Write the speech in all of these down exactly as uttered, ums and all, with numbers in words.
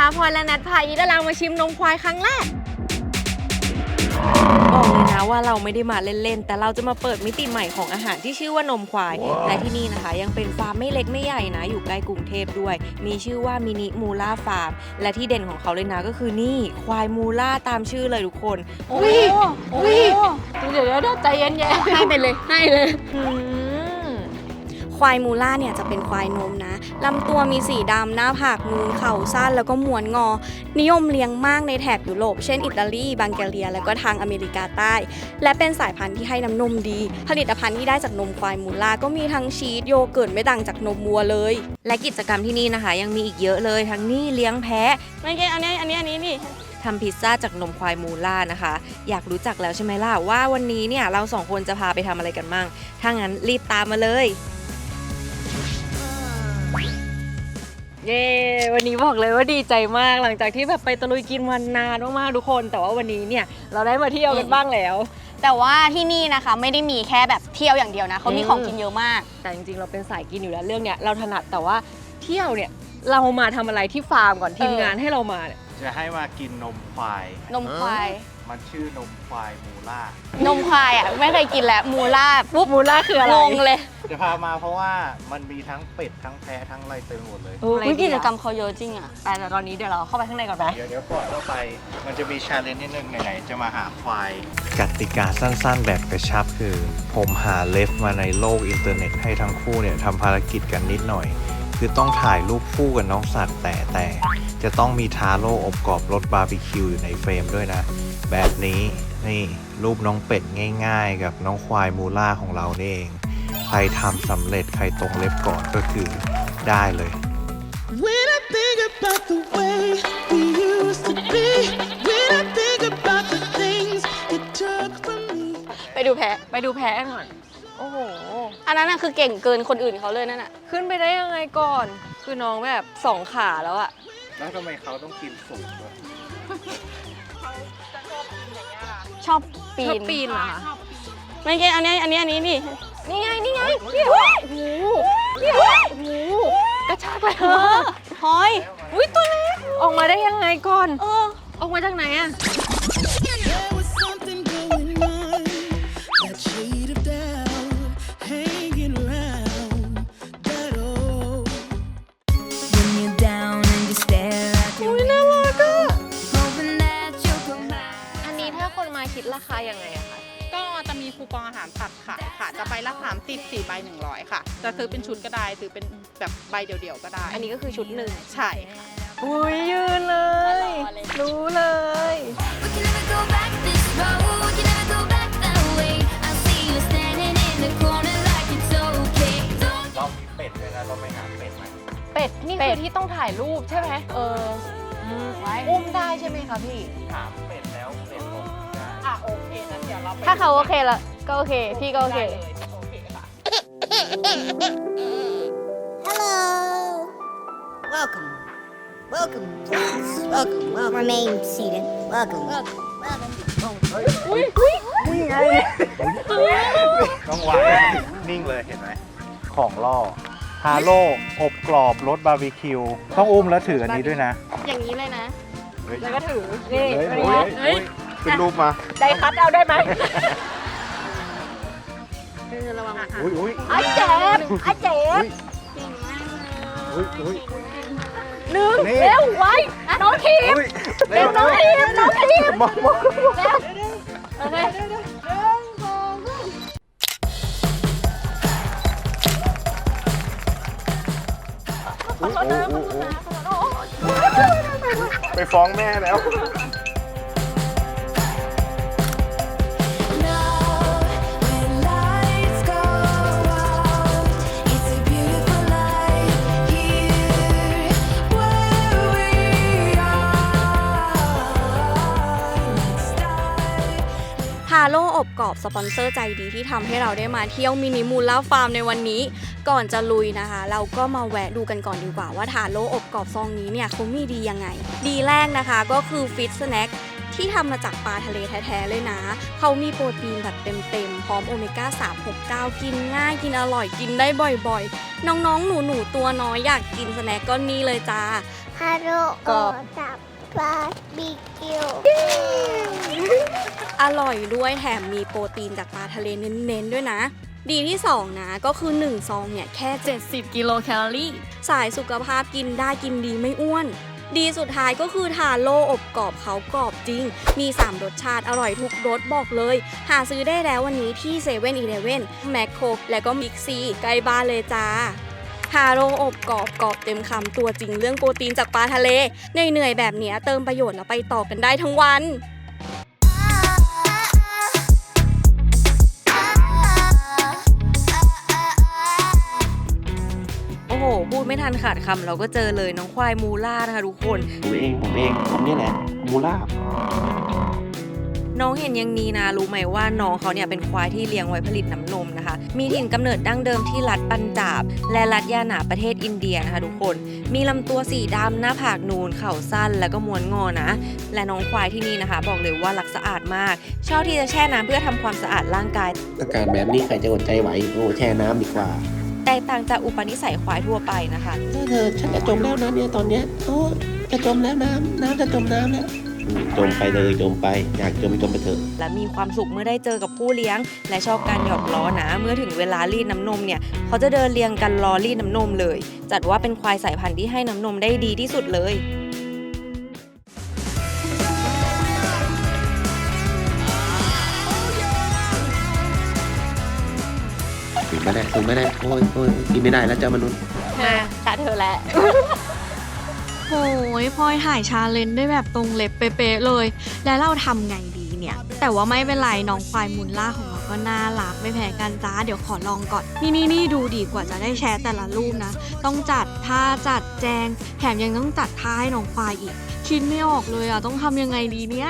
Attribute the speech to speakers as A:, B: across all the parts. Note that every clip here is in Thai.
A: นะคะพลอยและแนทพาอีดารามาชิมนมควายครั้งแรกบอกเลยนะว่าเราไม่ได้มาเล่นๆแต่เราจะมาเปิดมิติใหม่ของอาหารที่ชื่อว่านมควายและที่นี่นะคะยังเป็นฟาร์มไม่เล็กไม่ใหญ่นะอยู่ใกล้กรุงเทพด้วยมีชื่อว่ามินิมูล่าฟาร์มและที่เด่นของเขาเลยนะก็คือนี่ควายมูล่าตามชื่อเลยทุกคนอุ้ยอุ้ยเดี๋ยวเดี๋ยวใจเย็นๆให้ไปเลยให้เลย
B: ควายมูล่าเนี่ยจะเป็นควายนมนะลำตัวมีสีดำหน้าผากนูนเข่าสั้นแล้วก็ม้วนงอนิยมเลี้ยงมากในแถบยุโรปเช่นอิตาลีบังแกเรียแล้วก็ทางอเมริกาใต้และเป็นสายพันธุ์ที่ให้น้ำนมดีผลิตภัณฑ์ที่ได้จากนมควายมูล่าก็มีทั้งชีสโยเกิร์ตไม่ต่างจากนมวัวเลย
A: และกิจกรรมที่นี่นะคะยังมีอีกเยอะเลยทั้งนี่เลี้ยงแพะ
B: ไม่ใช่อันนี้อันนี้อันนี้นี่
A: ทำพิซซ่าจากนมควายมูล่านะคะอยากรู้จักแล้วใช่ไหมล่ะว่าวันนี้เนี่ยเราสองคนจะพาไปทำอะไรกันมั่งถ้างั้นรีบตามมาเลยเย้วันนี้บอกเลยว่าดีใจมากหลังจากที่แบบไปตะลุยกินวันนานมากๆทุกคนแต่ว่าวันนี้เนี่ยเราได้มาเที่ยวกันบ้างแล้ว
B: แต่ว่าที่นี่นะคะไม่ได้มีแค่แบบเที่ยวอย่างเดียวนะเขามีของกินเยอะมาก
A: แต่จริงๆเราเป็นสายกินอยู่แล้วเรื่องเนี้ยเราถนัดแต่ว่าเที่ยวเนี่ยเรามาทำอะไรที่ฟาร์มก่อนทีมงานให้เรามาเนี่ย
C: จะให้มากินนมควาย
B: นมควาย
C: มันชื่อนมควายมูล่าน
B: มควายอ่ะไม่เคยกินแล้วมูล่า
A: ปุ๊บมูล่าคืออะไร
B: งงเลย
C: จะพามาเพราะว่ามันมีทั้งเป็ดทั้งแพะทั้งอะไรเต็มหมดเลย
B: วิกิจกรรมเขาเยอะจริงอ่ะ
A: แต่ตอนนี้เดี๋ยวเราเข้าไปข้างในก่อนไหม
C: เดี๋ยวเดี๋ยวก่อนเข้าไปมันจะมีชาเลนจ์นิดนึงไหนๆจะมาหาควายกติกาสั้นๆแบบกระชับคือผมหาเลฟมาในโลกอินเทอร์เน็ตให้ทั้งคู่เนี่ยทำภารกิจกันนิดหน่อยคือต้องถ่ายรูปคู่กับน้องสัตว์แต่แต่จะต้องมีทาโร่อบกรอบรสบาร์บีคิวอยู่ในเฟรมด้วยนะแบบนี้นี่รูปน้องเป็ดง่ายๆกับน้องควายมูล่าของเรานี่เองใครทำสำเร็จใครตรงเล็บก่อนก็คือได้เลย When I think about the way we used to be When I think about the things
B: you took from me ไปดูแพะ
A: ไปดูแพะก่อนโอ้โห
B: อันนั้นน่ะคือเก่งเกินคนอื่นเขาเลยนั่นน่ะ
A: ขึ้นไปได้ยังไงก่อนคือน้องแบบสองขาแล้วอะ
C: แล้วทำไมเขาต้องกินสูงด้วย
B: ชอบปีน
A: ชอบปีนเหรอคะ
B: ไม่ใช่อันนี้อันนี้อันนี้นี่
A: นี่ไงนี่ไงนี่โอ้โหนี่โอ้โหกระชากเลย
B: หอย
A: อุ้ยตัวเล็กออกมาได้ยังไงก่อน
B: เออ
A: ออกมาจากไหนอะคิดราคายังไงอะคะ
D: ก็จะมีคูปองอาหารสัตว์ขายค่ะจะใบละสามสิบ สี่ใบหนึ่งร้อยค่ะจะซื้อเป็นชุดก็ได้ซื้อเป็นแบบใบเดี่ยวๆก็ได้
A: อันนี้ก็คือชุดหนึ่ง
D: ใช่ค่ะ
A: อุ้ยยืนเลยรู้เลย
C: เรามีเป็ดด้วยนะเราไปหาเป็ดไหม
A: เป็ดนี่คือที่ต้องถ่ายรูปใช่ไหมเอออุ้มได้ใช่ไหมคะพี่
C: ถามเป็ดแล้วเป็ดบอกได้
D: อ่ะโอเคงั้นเดี๋ยวเรา
B: ถ้าเขาโอเคแล้วก็โอเคพี่ก็โอเค
E: Hello welcome welcome please welcome welcome remain seated welcome welcome welcome
A: อุ้ยอุ้ย
C: นี่ไงต้องวางนิ่งเลยเห็นไหมของล่อฮาโร่อบกรอบรสบาร์บีคิวต้องอุ้มแล้วถืออันนี้ด้วยนะ
B: อย่างนี้เลยนะ
A: แล้วก็ถือนี่
C: ขึ้นรูปมา
A: ได้คัดเอาได้ไหม
B: ระวัง
C: อุ้ยอุ้ย
A: ไอ้เจ็บไอ้เจ็บ
C: อุ้ยอุ้ย
A: หนึ่งเร็วไว้น้องทีมเร็วน้องทีมน้องทีม
C: มองมอง
A: เร็วโอเค
C: ไปฟ้องแม่แล้ว
B: ฮาโร่อบกรอบสปอนเซอร์ใจดีที่ทำให้เราได้มาเที่ยวมินิมูล่าฟาร์มในวันนี้ก่อนจะลุยนะคะเราก็มาแวะดูกันก่อนดีกว่าว่าทาโร่อบกรอบซองนี้เนี่ยเขามีดียังไงดีแรกนะคะก็คือฟิตสแน็คที่ทำมาจากปลาทะเลแท้ๆเลยนะเขามีโปรตีนแบบเต็มๆพร้อมโอเมก้าสาม หก เก้ากินง่ายกินอร่อยกินได้บ่อยๆน้องๆหนูๆตัวน้อยอยากกินสแน็คก็นี่เลยจ้า
E: ฮัลโหล
B: กรอบ
E: ตับบาร์บีคิว
B: อร่อยด้วยแถมมีโปรตีนจากปลาทะเลเน้นๆด้วยนะ ดีที่สองนะก็คือหนึ่งซองเนี่ยแค่เจ็ดสิบกิโลแคลอรี่สายสุขภาพกินได้กินดีไม่อ้วน ดีสุดท้ายก็คือทาโร่อบกรอบเขากรอบจริง มีสามรสชาติอร่อยทุกรสบอกเลย หาซื้อได้แล้ววันนี้ที่เซเว่นอีเลฟเว่นแมคโครและก็มิกซีใกล้บ้านเลยจ้าทาโร่อบกรอบกรอบเต็มคำตัวจริงเรื่องโปรตีนจากปลาทะเลเหนื่อยๆแบบเนี้ยเติมประโยชน์แล้วไปต่อกันได้ทั้งวัน
A: โอ้โห พูดไม่ทันขาดคำเราก็เจอเลยน้องควายมูล่านะคะทุกคน
F: ผมเองผมเองผมนี่แหละมูล่า
A: น้องเห็นอย่างนี้นะรู้ไหมว่าน้องเขาเนี่ยเป็นควายที่เลี้ยงไว้ผลิตน้ำนมนะคะ มีถิ่นกำเนิดดั้งเดิมที่รัฐปัญจาบและรัฐยานาประเทศอินเดียนะคะทุกคนมีลำตัวสีดำหน้าผากนูนเข่าสั้นแล้วก็ม้วนงอนะและน้องควายที่นี่นะคะ บอกเลยว่ารักสะอาดมากชอบที่จะแช่น้ำเพื่อทำความสะอาดร่างกาย
F: อากาศแบบนี้ใครจะอดใจไหวโอ้แช่น้ำดีกว่า
A: แตกต่างจากอุปนิสัยควายทั่วไปนะคะ
F: เธอเธอฉันจะจมแล้วนะเนี่ยตอนเนี้ยโอ้จะจมแล้วน้ำน้ำจะจมน้ำแล้วอืมจมไปเลยจมไปอยากจมจมไปเถอะ
A: และมีความสุขเมื่อได้เจอกับผู้เลี้ยง และชอบการหยอกล้อนะเมื่อถึงเวลารีดน้ำนมเนี่ยเขาจะเดินเรียงกันรอรีดน้ำนมเลย จัดว่าเป็นควายสายพันธุ์ที่ให้น้ำนมได้ดีที่สุดเลย
F: ถึงไม่ได้ถึงไม่ได้โอ้ยโอ้ยกินไม่ได้แล้วเจ้ามนุษย์
B: มาตาเธอแล้วโอ้ยพลอยถ่ายชาเลนจ์ได้แบบตรงเล็บเป๊ะๆเลย แล้วเราทำไงดีเนี่ย แต่ว่าไม่เป็นไรน้องควายมูลล่าของเราก็น่ารักไม่แพ้กันจ้าเดี๋ยวขอลองก่อน นี่นี่นี่ดูดีกว่าจะได้แชร์แต่ละรูปนะ ต้องจัดท่าจัดแจง แถมยังต้องจัดท่าให้น้องควายอีก คิดไม่ออกเลยอ่ะต้องทำยังไงดีเนี่ย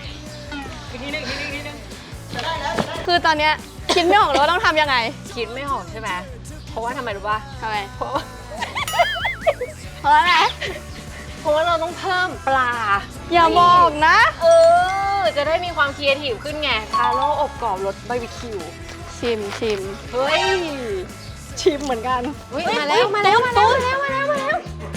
B: คือตอนเนี้ยคิดไม่ออกเลยว่าต้องทำยังไง
A: คิดไม่ออกใช่ไหมเพราะว่าทำไมรู้ป่ะ
B: ทำไม
A: เพราะว่า
B: เพราะอะไร
A: เพราะว่าเราต้องเพิ่มปลา
B: อย่าบอกนะ
A: เออจะได้มีความครีเอทีฟขึ้นไงทาโร่อบกรอบรสบาร์บีคิว
B: ชิมชิม
A: เฮ้ย
B: ชิมเหมือนกัน
A: อุ๊ยมาแล้วมาแล้วมาแล้วมาแล้วมาแล้วมาแล้ว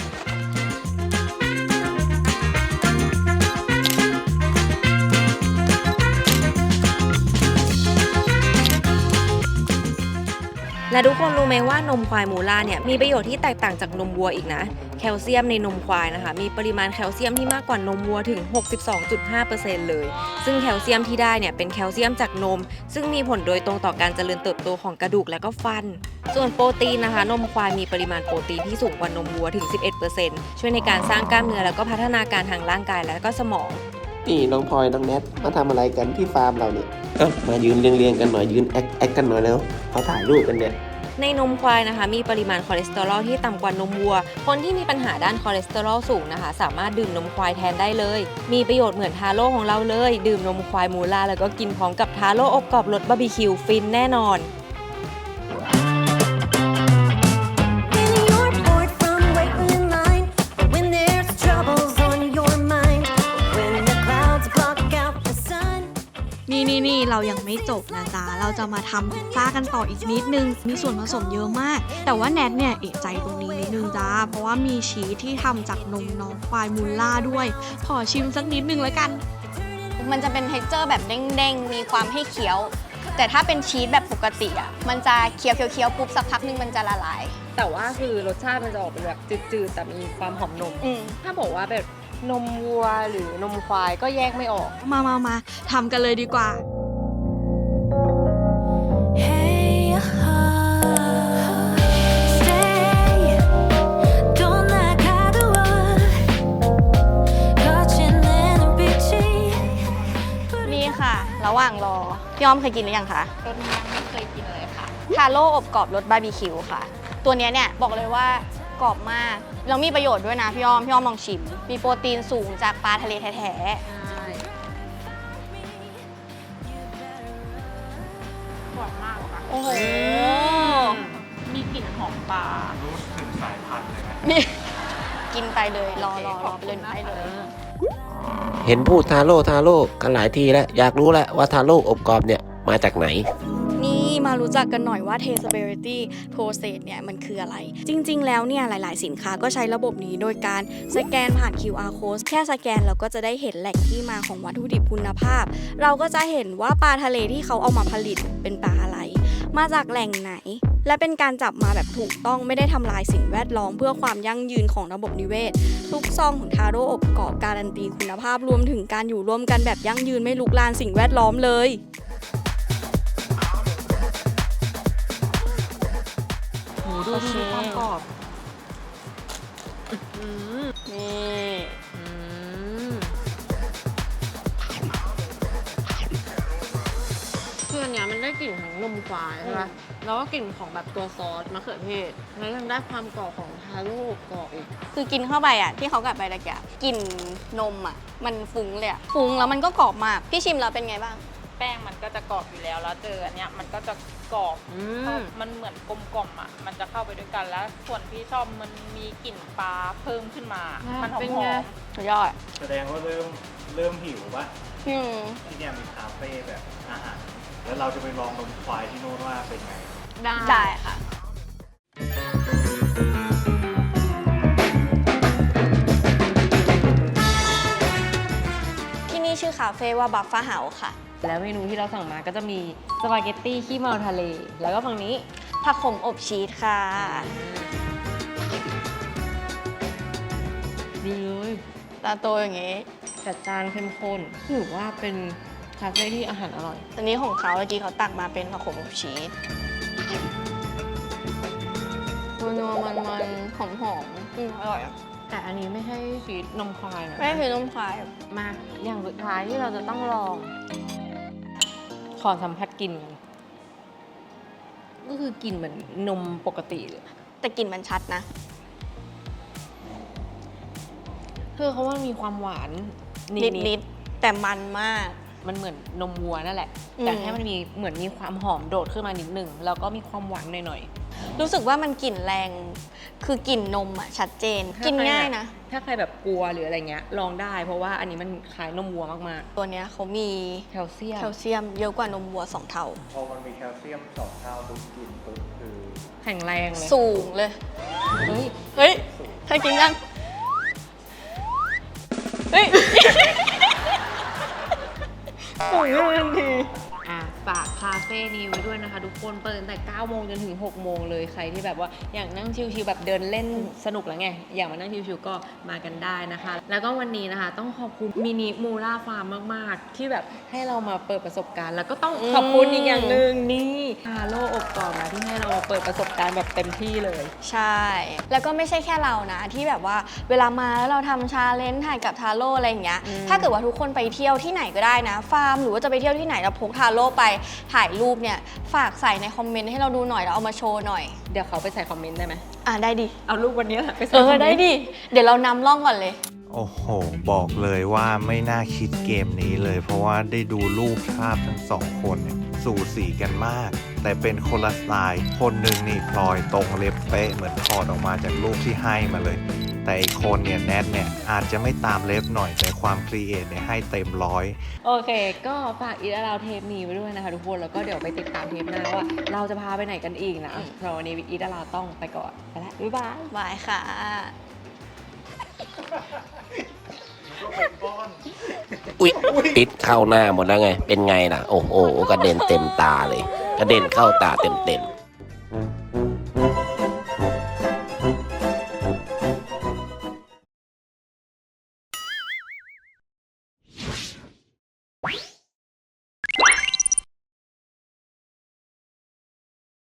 A: และทุกคนรู้ไหมว่านมควายมูล่าเนี่ยมีประโยชน์ที่แตกต่างจากนมวัวอีกนะแคลเซียมในนมควายนะคะมีปริมาณแคลเซียมที่มากกว่านมวัวถึง หกสิบสองจุดห้าเปอร์เซ็นต์ เลยซึ่งแคลเซียมที่ได้เนี่ยเป็นแคลเซียมจากนมซึ่งมีผลโดยตรงต่อการเจริญเติบโตของกระดูกและก็ฟันส่วนโปรตีนนะคะนมควายมีปริมาณโปรตีนที่สูงกว่านมวัวถึง สิบเอ็ดเปอร์เซ็นต์ ช่วยในการสร้างกล้ามเนื้อแล้วก็พัฒนาการทางร่างกายและก็สมอง
F: นี่น้องพลอยน้องแนทมาทำอะไรกันที่ฟาร์มเราเนี่ยเอ้ามายืนเรียงๆกันหน่อยยืนแอคแอคกันหน่อยแล้วเขาถ่ายรูปกันเนี่ย
A: ในนมควายนะคะมีปริมาณคอเลสเตอรอลที่ต่ำกว่านมวัวคนที่มีปัญหาด้านคอเลสเตอรอลสูงนะคะสามารถดื่มนมควายแทนได้เลยมีประโยชน์เหมือนทาโร่ของเราเลยดื่มนมควายมูล่าแล้วก็กินพร้อมกับทาโร่อบกรอบรสบาร์บีคิวฟินแน่นอน
G: Feeling you're bored from waiting in line, but when there's troubles on your mind, when the clouds block out the sun.
B: นี่นี่นี่เรายังไม่จบนะจ๊ะ เราจะมาทำพิซซ่ากันต่ออีกนิดนึง มีส่วนผสมเยอะมาก แต่ว่าแนทเนี่ยเอะใจตรงนี้นิดนึงจ้า เพราะว่ามีชีสที่ทำจากนมน้องควายมูลล่าด้วย ขอชิมสักนิดนึงแล้วกัน มันจะเป็นเท็กเจอร์แบบเด้งๆ มีความให้เคี้ยว แต่ถ้าเป็นชีสแบบปกติอ่ะ มันจะเคี้ยวเคี้ยวๆปุ๊บสักพักนึงมันจะละลาย
A: แต่ว่าคือรสชาติมันจะออกเป็นแบบจืดๆแต่มีความหอมนม
B: อืม
A: ถ้าบอกว่าแบบนมวัวหรือนมควายก็แยกไม่ออก
B: มามามาทำกันเลยดีกว่า
G: Hey, uh, stay. Don't like how the world catching in a big tree.
B: นี่ค่ะ ระหว่างรอ พี่อ้อมเคยกินหรือยังคะ
D: รสนี้ยังไม่เคยกินเลยค่ะ
B: ทาโร่อบกรอบรสบาร์บีคิวค่ะ ตัวเนี้ยเนี่ยบอกเลยว่ากรอบมากแล้วมีประโยชน์ด้วยนะพี่อ้อม พี่อ้อมลองชิม มีโปรตีนสูงจากปลาทะเลแท้
D: หวานมากค่ะ
B: ๆ โอ้โห
D: มีกลิ่นหอมปลา
C: รู้ถึงสายพันธุ์เลยนะ
B: นี่กินไปเลย รอรอรอไปเลยไปเลย
F: เห็นพูดทาโร่ทาโร่กันหลายทีแล้วอยากรู้แล้วว่าทาโร่อบกรอบเนี่ยมาจากไหน
B: นี่มมารู้จักกันหน่อยว่า traceability process เนี่ยมันคืออะไร จริงๆแล้วเนี่ยหลายๆสินค้าก็ใช้ระบบนี้โดยการสแกนผ่าน คิว อาร์ code แค่สแกนเราก็จะได้เห็นแหล่งที่มาของวัตถุดิบคุณภาพ เราก็จะเห็นว่าปลาทะเลที่เขาเอามาผลิตเป็นปลาอะไร มาจากแหล่งไหน และเป็นการจับมาแบบถูกต้องไม่ได้ทำลายสิ่งแวดล้อมเพื่อความยั่งยืนของระบบนิเวศ ทุกซองของทาโร่อบกรอบการันตีคุณภาพรวมถึงการอยู่ร่วมกันแบบยั่งยืนไม่ลุกลานสิ่งแวดล้อมเลย
A: โหดูดูความกรอบนี่อืมคืออันเนี้ยมันได้กลิ่นของนมควายใช่ปะแล้วก็กลิ่นของแบบตัวซอสมะเขือเทศแล้วยังได้ความกรอบของทาโร่อบกรอบอีก
B: คือกินเข้าไปอ่ะที่เขากัดไปตะกี้กลิ่นนมอ่ะมันฟุ้งเลยอ่ะฟุ้งแล้วมันก็กรอบมากพี่ชิมแล้วเป็นไงบ้าง
D: แป้งมันก็จะกรอบอยู่แล้วแล้วเจออันเนี้ยมันก็จะกรอบ
A: อืม
D: มันเหมือนกลมกล่อมอ่ะมันจะเข้าไปด้วยกันแล้ว ส่วนที่ชอบมันมีกลิ่นปลาเพิ่มขึ้นมา มันหอ
A: เป็น
D: ม
A: ไง
B: สุดยอด
C: แสดงว่าเริ่มเริ่มหิวปะ
B: อืม
C: ที่เนี่ยมีคาเฟ่แบบอาหาร แล้วเราจะไปลองนมควายที่โน่นว่าเป็นไง
A: ได้
B: ได้ค่ะ ที่นี่ชื่อคาเฟ่ว่าบัฟฟ้าเฮาค่ะ
A: แล้วเมนูที่เราสั่งมาก็จะมีสปาเกตตี้ขี้เมาทะเล แล้วก็ฝั่งนี้
B: ผักขมอบชีสค่ะ
A: ดีเลย
B: ตาโตอย่างงี้
A: จัดจานเข้มข้นถือว่าเป็นคาเฟ่ที่อาหารอร่อย
B: อันนี้ของเขาเมื่อกี้เขาตักมาเป็นผักขมอบชีสนัวๆมันๆหอมๆอืมอร่อยอ่ะ
A: แต่อันนี้ไม่ใช่ชีสนมควายนะ
B: ไม่คือนมควาย
A: มาอย่างสุดท้ายที่เราจะต้องลอง ขอสัมผัสกลิ่นกันก็คือกลิ่นเหมือนนมปกติเลย
B: แต่กลิ่นมันชัดนะ
A: คือเขาว่ามีความหวานนิ
B: นิ
A: ด
B: ดนิดๆแต่มันมาก
A: ๆมันเหมือนนมวัวนั่นแหละ
B: อืม
A: แต่ให้มันมีเหมือนมีความหอมโดดขึ้นมานิดหนึ่งแล้วก็มีความหวานหน่อย
B: รู้สึกว่ามันกลิ่นแรง คือกลิ่นนมอ่ะชัดเจน
A: ๆ
B: กินง่ายนะ
A: ถ้าใครแบบกลัวหรืออะไรเงี้ยลองได้ เพราะว่าอันนี้มันคล้ายนมวัวมาก
B: ตัวเนี้ยเขามี
A: ๆ แคลเซียม
B: แคลเซียมเยอะกว่านมวัวสองเท่า
C: พอมันมีแคลเซียมสองเท่าปุ๊บกินปุ๊บคือ
A: แข็งแรงเลย
B: สูงเลย
A: เฮ้ย
B: เฮ้ยเธอกินยัง เฮ้ย
A: สูงเลยทันทีอ่ะฝากคาเฟ่นี้ไว้ด้วยนะคะทุกคนเปิดตั้งแต่เก้าโมงจนถึงหกโมงเลยใครที่แบบว่าอยากนั่งชิลๆแบบเดินเล่นสนุกแล้วไง อยากมานั่งชิลๆก็มากันได้นะคะ แล้วก็วันนี้นะคะ ต้องขอบคุณมินิมูล่าฟาร์มมากๆ ที่แบบให้เรามาเปิดประสบการณ์ แล้วก็ต้องขอบคุณอีกอย่างหนึ่งนี่ฮาโลอบกรอบนะที่ให้เรามาเปิดประสบการณ์แบบเต็มที่เลย
B: ใช่ แล้วก็ไม่ใช่แค่เรานะ ที่แบบว่าเวลามาแล้วเราทำชาเลนจ์ถ่ายกับทาโร่อะไรอย่างเงี้ย
A: อืม
B: ถ้าเกิดว่าทุกคนไปเที่ยวที่ไหนก็ได้นะ ฟาร์มหรือว่าจะไปเที่ยวที่ไหนเราพกทาโร่ไปถ่ายรูปเนี่ย ฝากใส่ในคอมเมนต์ให้เราดูหน่อยแล้วเอามาโชว์หน่อย
A: เดี๋ยวเขาไปใส่คอมเมนต์ได้ไหม
B: อ่ะได้ดิ
A: เอารูปวันนี้แหละไปใส่
B: เอ
A: คอม
B: อ
A: เมนต์
B: ได้ดิ เดี๋ยวเรานำร่องก่อนเลย
C: โอ้โห บอกเลยว่าไม่น่าคิดเกมนี้เลย เพราะว่าได้ดูรูปภาพทั้งสองคนเนี่ยสูสีกันมาก แต่เป็นคนละสไตล์ คนหนึ่งนี่พลอยตรงเล็บเป๊ะเหมือนถอดออกมาจากรูปที่ให้มาเลย แต่อีกคนเนี่ยแนทเนี่ยอาจจะไม่ตามเล็บหน่อยแต่ความครีเอทเนี่ยให้เต็มร้อย
A: โอเค ก็ฝากอีทเราเทปนี้ไว้ด้วยนะคะทุกคน แล้วก็เดี๋ยวไปติดตามเทปหน้าว่า เราจะพาไปไหนกันอีกนะสำหรับวันนี้อีทเราต้องไปก่อนไปแล้วบ๊ายบาย
B: บายค่ะ
F: อุ๊ยติดเข้าหน้าหมดแล้วไง เป็นไงล่ะ โอ้โห กระเด็นเต็มตาเลย กระเด็นเข้าตาเต็มๆ